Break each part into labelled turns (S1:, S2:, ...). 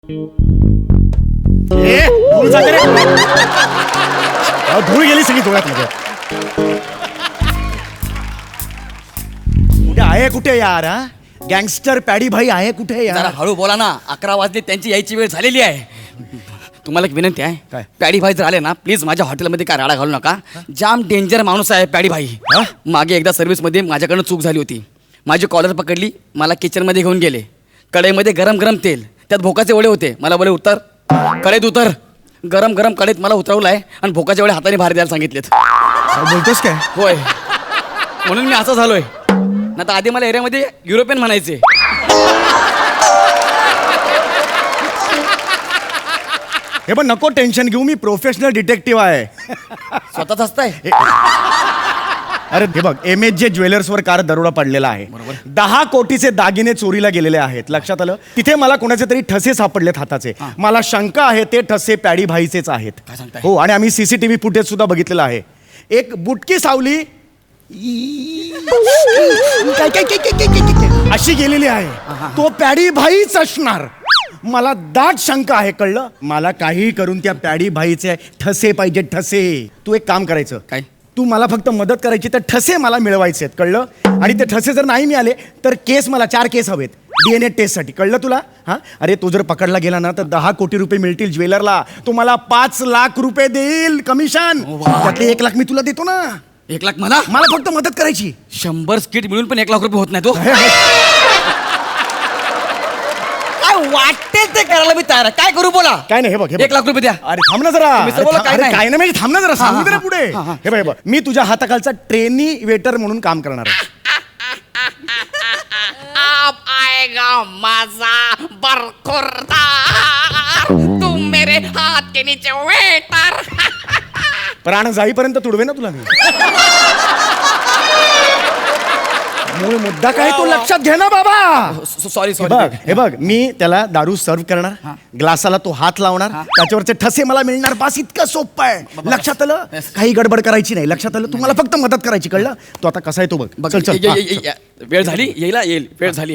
S1: धूळ जाते रे. धूळ गेली सगळी डोळ्यात मध्ये. कुठे आहे कुठे यार? हा गँगस्टर पॅडी भाई आहे कुठे
S2: जरा
S1: यार?
S2: हळू बोला ना, 11 वाजले, त्यांची यायची वेळ झालेली आहे. तुम्हाला एक विनंती आहे,
S1: काय?
S2: पॅडी भाई जर आले ना, प्लीज माझ्या हॉटेलमध्ये काय राडा घालू नका. जाम डेंजर माणूस आहे पॅडी भाई. मागे एकदा सर्व्हिसमध्ये माझ्याकडनं चूक झाली होती. माझी कॉलर पकडली, मला किचनमध्ये घेऊन गेले. कढईमध्ये गरम गरम तेल, त्यात भोकाचे वडे होते. मला बोले उतर, कढईत उतर. गरम गरम कढईत मला उतरवलाय आणि भोकाचे वडे हाताने बाहेर द्यायला सांगितलेत.
S1: काय बोलतोस काय?
S2: होय, म्हणून मी असं झालोय. ना तर आधी मला एरियामध्ये युरोपियन म्हणायचे.
S1: हे पण नको टेन्शन घेऊ, मी प्रोफेशनल डिटेक्टिव्ह आहे.
S2: स्वतःच असताय.
S1: अरे हे बघ, MHJ ज्वेलर्सवर कार दरोडा पडलेला आहे. 10 कोटीचे दागिने चोरीला गेलेले आहेत. लक्षात आलं? तिथे मला कोणाचे तरी ठसे सापडलेत हाताचे. मला शंका आहे ते ठसे पॅडी भाईचेच आहेत.
S2: काय सांगताय?
S1: हो, आणि आम्ही CCTV फुटेज सुद्धा बघितलेलं आहे. एक बुटकी सावली काय काय काय काय काय काय अशी गेलेली आहे. तो पॅडी भाईच असणार. मला दाट शंका आहे, कळलं? मला काहीही करून त्या पॅडी भाईचे ठसे पाहिजे, ठसे. तू एक काम करायचं,
S2: काय?
S1: तू मला फक्त मदत करायची, तर ठसे मला मिळवायचे आहेत, कळलं? आणि ते ठसे जर नाही मिळाले तर केस, मला 4 केस हवेत DNA टेस्टसाठी, कळलं तुला? हा, अरे तो जर पकडला गेला ना तर 10 कोटी रुपये मिळतील ज्वेलरला. तो मला 5 लाख रुपये देईल कमिशन. त्यातले 1 लाख मी तुला देतो ना.
S2: 1 लाख मला?
S1: मला फक्त मदत करायची.
S2: 100 स्किट मिळून पण 1 लाख रुपये होत नाही. तो काय वाटेल ते करायला मी तयार आहे. काय करू बोला?
S1: काय नाही, हे बघ,
S2: 1 लाख रुपये द्या.
S1: अरे थांब ना जरा.
S2: तुम्ही सर बोला, काय
S1: अरे
S2: नाही.
S1: काय नाही म्हणजे थांब ना जरा, सांगू दे ना पुढे.
S2: हा, हा.
S1: हे बघ, हे बघ, मी तुझ्या हाताखालचा ट्रेनी वेटर म्हणून काम करणार आहे.
S3: अब आएगा मजा बरखुरदार, तुम मेरे हाथ के नीचे वेटर.
S1: प्राण जाईपर्यंत तुडवे ना तुला मी. मूळ मुद्दा काय तो लक्षात घे ना बाबा.
S2: सॉरी
S1: हे
S2: सॉरी.
S1: बघ, हे बघ, मी त्याला दारू सर्व करणार, ग्लासाला तो हात लावणार, त्याच्यावरचे ठसे मला मिळणार. बस इतकं सोपं आहे. लक्षात आलं? काही गडबड करायची नाही. लक्षात आलं? तुम्हाला फक्त मदत करायची, कळलं? तो आता कसा आहे तो बघ. चल चल.
S2: वेळ झाली, येईल वेळ झाली.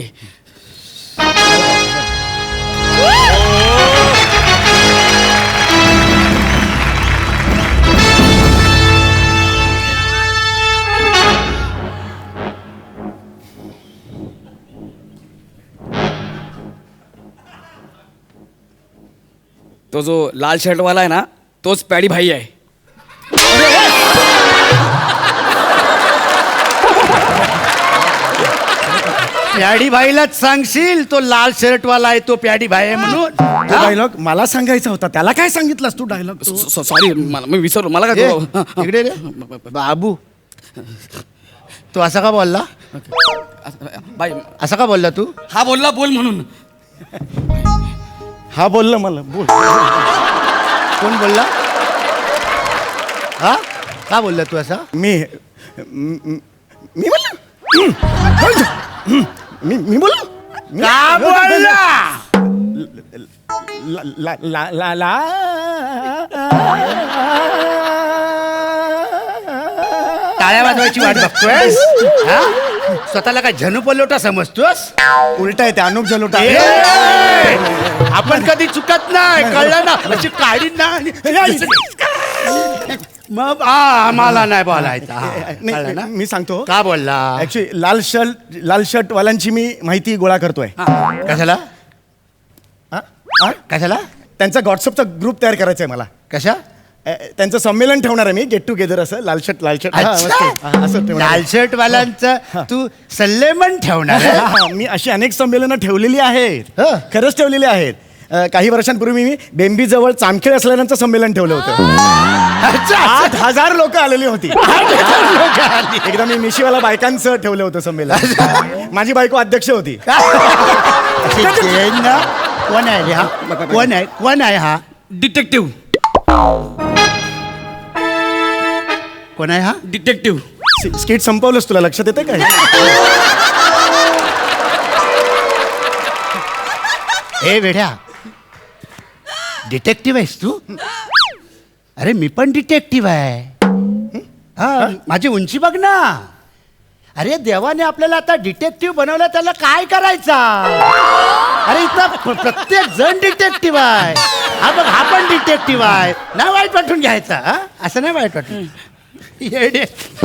S2: तो जो लाल शर्ट वाला आहे ना, तोच पॅडी भाई आहे.
S4: प्याडी भाईलाच सांगशील तो लाल शर्ट वाला आहे तो प्याडी भाई आहे म्हणून.
S1: तो डायलॉग मला सांगायचा होता, त्याला काय सांगितलास तू डायलॉग?
S2: सॉरी, मी विसरलो. मला काय तो-
S4: इकडे रे बाबू, तू असा का बोलला?
S2: बाई,
S4: असा का बोलला तू?
S2: हा बोलला बोल म्हणून.
S1: हा बोललं मला, बोल.
S4: कोण बोलला? हा, का बोलला तू असा?
S1: मी बोललो. मी बोललो.
S4: का बोलला?
S1: ला ला ला ला
S4: टाळ्या वाजवायची वाट बघतोयस? हा? स्वतःला काय झनू पलोटा समजतोस?
S1: उलटा आहे ते, अनुप जलोटा.
S4: आपण कधी चुकत नाही, कळलं ना? अशी काढी ना. मग आम्हाला नाही बोलायचं. हा, कळलं ना?
S1: मी सांगतो
S4: का बोलला?
S1: ऍक्च्युली लाल शर्ट वाल्यांची मी माहिती गोळा करतोय.
S4: कशाला?
S1: हा? हा?
S4: कशाला?
S1: त्यांचा व्हॉट्सअपचा ग्रुप तयार करायचा आहे मला.
S4: कशा?
S1: त्यांचं संमेलन ठेवणार आहे मी, गेट टुगेदर, असं लाल शर्ट हा, मस्त. हा, असं ठेवणार आहे.
S4: लाल शर्ट वाल्यांचं तू सल्लेमन ठेवणार आहे?
S1: हा, मी अशी अनेक संमेलनं ठेवलेली आहेत.
S4: हं.
S1: खरंच ठेवलेली आहेत. काही वर्षांपूर्वी मी बेंबीजवळ चामखेड असलेल्यांचं संमेलन ठेवलं होतं. 8,000 लोक आलेली होती. एकदा मी मिशीवाला बायकांचं ठेवलं होतं संमेलन. माझी बायको अध्यक्ष होती.
S4: कोण आहे रे हा? कोण आहे हा?
S2: डिटेक्टिव्ह.
S4: कोण आहे हा?
S2: डिटेक्टिव्ह.
S1: स्किट संपवलंस, तुला लक्षात येते काय?
S4: हे वेड्या, डिटेक्टिव्ह आहेस तू? अरे मी पण डिटेक्टिव्ह आहे. हा, माझी उंची बघ ना. अरे देवाने आपल्याला आता डिटेक्टिव्ह बनवलं, त्याला काय करायचा? अरे इथं प्रत्येक जण डिटेक्टिव्ह आहे. हा बघ, हा पण डिटेक्टिव्ह आहे. नाही वाईट वाटून घ्यायचा, हा असं नाही वाईट वाटून. येडे.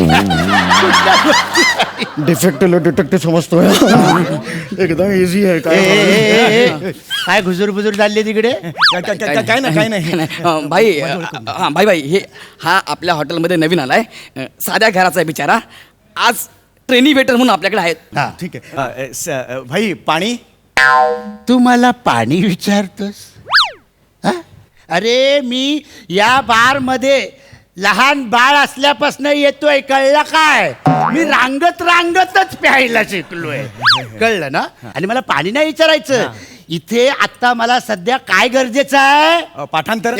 S1: डिफेक्टिव्ह डिटेक्टिव्ह समजतोय. एकदम इझी आहे.
S4: काय घुजूर बुजूर चालली तिकडे?
S1: काय नाही काय नाही.
S2: भाई हां भाई भाई हे हा आपल्या हॉटेलमध्ये नवीन आलाय. साध्या घराचा आहे बिचारा. आज ट्रेनी वेटर म्हणून आपल्याकडे आहेत.
S4: हा.
S1: ठीक आहे. भाई पाणी.
S4: तू मला पाणी विचारतोस? हा? अरे मी या बार मध्ये लहान बाळ असल्यापासून येतोय, कळलं काय? मी रांगतच प्यायला शिकलोय, कळलं ना? आणि मला पाणी नाही विचारायचं. इथे आता मला सध्या काय गरजेचं आहे?
S1: पाठांतर.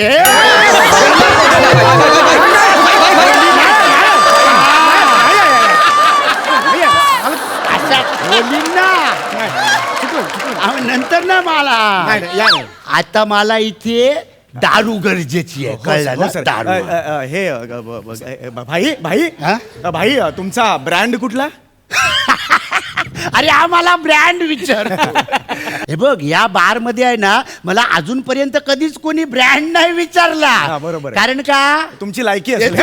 S4: अशा खोलीन ना. नंतर ना मला आता मला इथे दारू गरजेची आहे, कळलं ना? दारू.
S1: हे भाई भाई
S4: हा?
S1: भाई तुमचा ब्रँड कुठला?
S4: अरे हा मला ब्रँड विचार. हे बघ, या बार मध्ये आहे ना, मला अजूनपर्यंत कधीच कोणी ब्रँड नाही विचारला.
S1: हा, बरोबर आहे.
S4: कारण का
S1: तुमची लायकी असेल.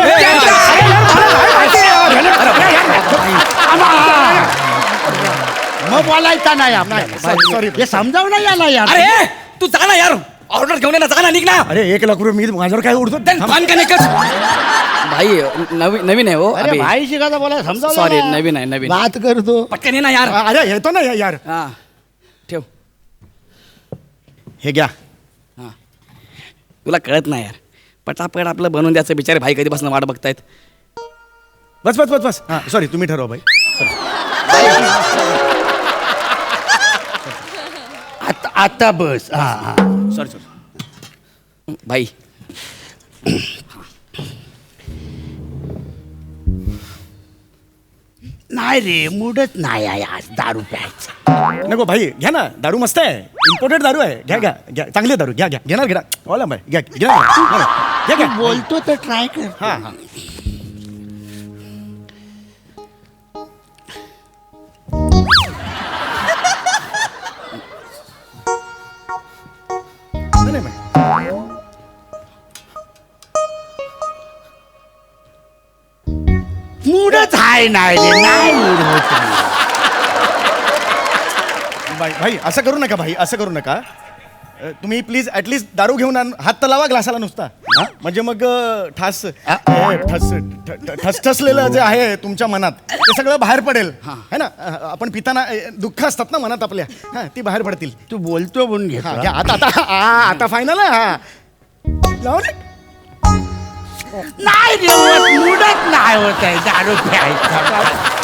S4: मग बोलायचा नाही आपल्याला.
S1: सॉरी.
S4: हे समजावं नाही आला यार.
S2: अरे तू जा ना यार, ऑर्डर घेऊन ये ना, जा ना, निघ ना.
S1: अरे 1,00,000 रुपये मी माझ्यावर काय उडतो?
S2: पान का निकच. भाई नवीन नवीन आहे हो.
S4: अरे भाई शिकायचा बोला, समजावं
S2: सॉरी,
S4: ना.
S2: नवीन आहे नवीन.
S4: बात करतो.
S2: पटकन ये ना यार.
S1: अरे येतो ना यार.
S2: हा ठेव.
S1: हे घ्या.
S2: हा तुला कळत नाही यार, पटापट आपलं बनवून द्यायचं. बिचारे भाई कधीपासून वाट बघतायत.
S1: बस बस बस बस. हा सॉरी, तुम्ही ठरवा भाई.
S4: आता बस. हा हा.
S1: Sorry sorry.
S2: भाई
S4: नाही रे, मूडच नाही आहे आज दारू प्यायचा.
S1: नको भाई, घ्या ना, दारू मस्त आहे. इम्पोर्टेड दारू आहे. घ्या घ्या घ्या, चांगली दारू घ्या घ्या. घेणार घ्या. ओला भाई घ्या घ्या घ्या घ्या.
S4: बोलतो तर ट्राय कर.
S1: हा हा. नाही, नाही,
S4: मूडच आहे नाही रे, नाही मूड होत.
S1: भाई भाई असं करू नका भाई, असं करू नका. तुम्ही प्लीज ऍटलीस्ट दारू घेऊन हात तर लावा ग्लासाला नुसता. म्हणजे मग ठस ठसठसलेलं जे आहे तुमच्या मनात ते सगळं बाहेर पडेल. है ना? आपण पिताना दुःख असतात ना मनात आपल्या, हा ती बाहेर पडतील.
S4: तू बोलतो म्हणून
S1: हा
S4: घेतो.
S1: घ्या. आता फायनल आहे. हा लावा ना.
S4: नाही रे, मूडच नाही होत आहे दारू प्यायचा.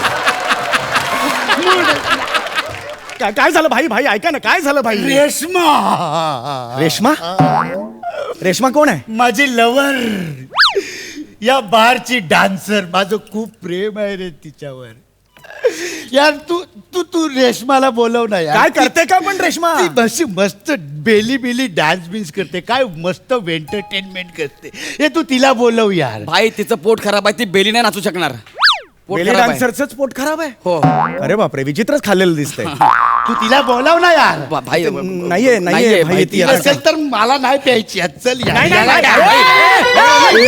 S1: काय झालं भाई? भाई ऐका ना, काय झालं भाई?
S4: रेश्मा
S1: रेश्मा. रेश्मा कोण आहे?
S4: माझी लवर, या बारची डान्सर. माझं खूप प्रेम आहे रे तिच्यावर. यार तू तू तू रेश्माला बोलव ना यार.
S1: काय करते का पण रेश्मा?
S4: ती अशी मस्त बेली डान्स बिन्स करते, काय मस्त एंटरटेनमेंट करते. हे तू तिला बोलव यार.
S2: भाई तिचं पोट खराब आहे, ती बेली नाही नाचू शकणार. पोट
S1: बेली
S2: खराब आहे.
S1: डान्सरच पोट खराब आहे.
S2: हो.
S1: अरे बापरे, विचित्रच खाल्लेलं दिसतंय.
S4: तू तिला बोलव ना यार.
S2: भाई
S1: नाहीये नाहीये भाई ती आता.
S4: असेल तर मला नाही प्यायची आज. चल यार.
S1: नाही, नाही,
S4: याला
S1: नाही,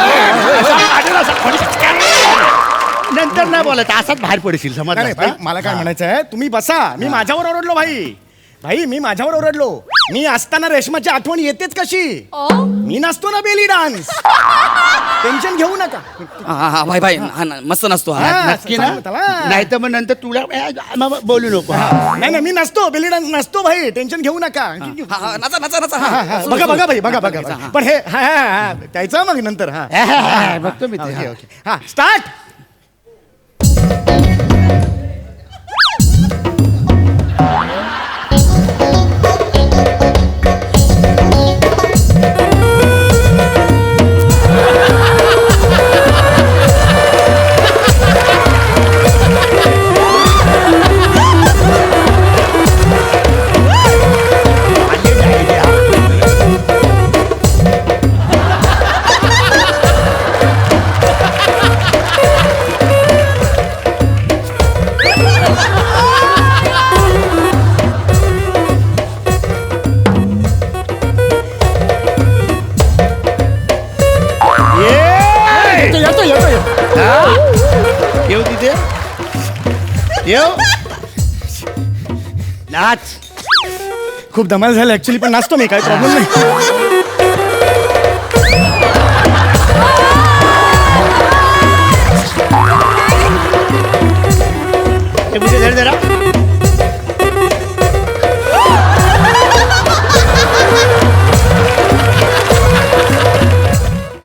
S4: काय? नंतर नाही बोलत, असाच बाहेर पडशील समज.
S1: नाही, भाई, मला काय म्हणायचं आहे, तुम्ही बसा. मी माझ्यावर ओरडलो भाई. भाई मी माझ्यावर ओरडलो. मी असताना रेशमाची आठवण येतेच कशी? मी नसतो ना बेली डान्स. टेन्शन घेऊ नका.
S2: हा हा भाई भाई हा ना, मस्त नसतो हा.
S1: हा,
S4: नक्की ना?
S1: सांगतो त्याला.
S4: नाही तर मग नंतर तुला बोलू नको.
S1: नाही नाही, मी नसतो बेली डान्स नसतो भाई. टेन्शन घेऊ नका.
S2: हा, हा, नाचा नाचा नाचा
S1: हा,
S2: हा.
S1: हा, बघा बघा भाई, बघा बघा. पण हे हा हा हा त्याचं मग नंतर. हा
S4: बघतो मी ते.
S1: Okay okay. हा स्टार्ट.
S4: येऊ नाच.
S1: खूप धमाल झालं ऍक्च्युली, पण नाचतो मी, काय प्रॉब्लेम नाही.
S4: हे मुझे धर जरा.